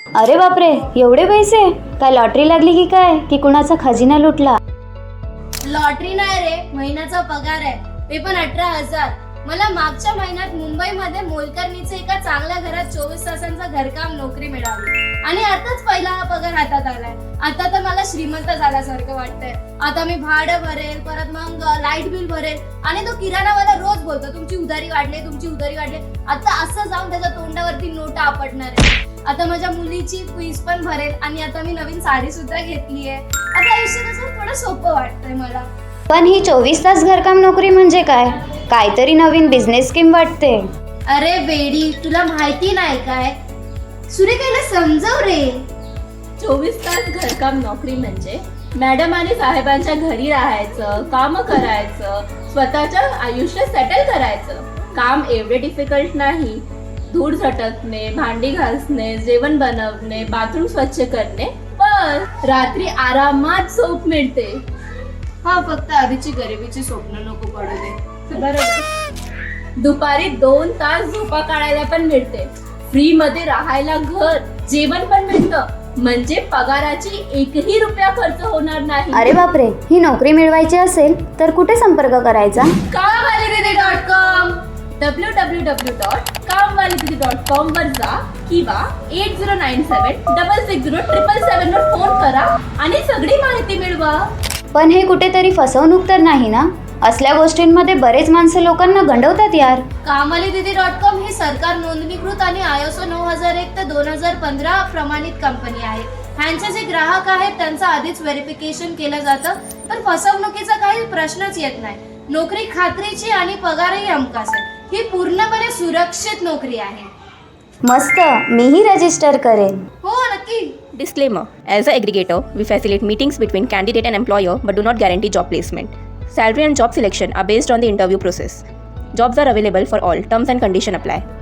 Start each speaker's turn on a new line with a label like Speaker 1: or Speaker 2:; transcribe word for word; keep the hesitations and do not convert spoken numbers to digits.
Speaker 1: अरे बापरे, एवढे पैसे? काय लॉटरी लागली की काय, की कुणाचा खजिना लुटला?
Speaker 2: लॉटरी नाही रे, महिन्याचा पगार आहे, ते पण अठरा हजार. मला मागच्या महिन्यात मुंबईमध्ये मोलकरणीचे एका चांगल्या घरात चोवीस तासांचं घरकाम नोकरी मिळाली आणि आताच पहिला हा पगार हातात आलाय. आता तर मला श्रीमंत झाल्यासारखं वाटतंय. आता मी भाडं भरेल, परत मग लाईट बिल भरेल आणि तो किराणावाला रोज बोलतो तुमची उधारी वाढली, तुमची उधारी वाढली. आता असं जाऊन त्याच्या तोंडावरती नोटा आपटणार आहे. आता माझ्या मुलीची फीस पण भरेल आणि आता मी नवीन साडी सुद्धा घेतलीये. आता आयुष्य कसं थोडं सोपं वाटतंय मला.
Speaker 1: पण ही चोवीस तास घरकाम नोकरी म्हणजे काय? काहीतरी नवीन बिझनेस स्कीम वाटते.
Speaker 2: अरे बेडी, तुला माहिती नाही काय? सुरेखाला समजव रे.
Speaker 3: चोवीस तास घरकाम नोकरी म्हणजे मॅडम आणि साहेबांच्या घरी राहायचं, काम करायचं, स्वतःच्या आयुष्य सेटल करायचं. काम एवढे डिफिकल्ट नाही. धूळ झटकणे, भांडी घासणे, जेवण बनवणे, बाथरूम स्वच्छ करणे, पण रात्री आरामात झोप मिळते.
Speaker 2: हा, फक्त आधीची गरिबीची स्वप्न नको पडू दे.
Speaker 3: बरोबर. दुपारी दोन तास झोपा काढायला पण मिळते. फ्री मध्ये राहायला घर, जेवण पण मिळतं. म्हणजे पगाराची एकही रुपया खर्च होणार नाही.
Speaker 1: अरे बापरे, ही नोकरी मिळवायची असेल तर कुठे संपर्क करायचा?
Speaker 3: Kamwalididi dot com W W W dot Kamwalididi dot com वर जा किंवा eight zero nine seven double six zero triple seven वर फोन करा आणि सगळी माहिती मिळवा.
Speaker 1: पण हे कुठेतरी फसवणूक तर नाही ना? असल्या गोष्टींमध्ये बरेच माणसं लोकांना गंडवतात यार.
Speaker 2: कामवालीदीदी डॉट कॉम ही सरकार नोंदणीकृत आणि आयएसओ नऊ हजार एक ते दोन हजार पंधरा प्रमाणित कंपनी आहे. ह्यांचे जे ग्राहक आहेत त्यांचं आधीच व्हेरिफिकेशन केलं जातं, तर फसवणुकीचा काही प्रश्नच येत नाही. नोकरी खात्रीची आणि पगारही हमखास आहे. ही पूर्णपणे सुरक्षित नोकरी आहे.
Speaker 1: मस्त, मीही रजिस्टर करेन.
Speaker 2: हो, नक्की.
Speaker 4: Disclaimer: As an aggregator, we facilitate meetings between candidate and employer but do not guarantee job placement. Salary and job selection are based on the interview process. Jobs are available for all. Terms and conditions apply.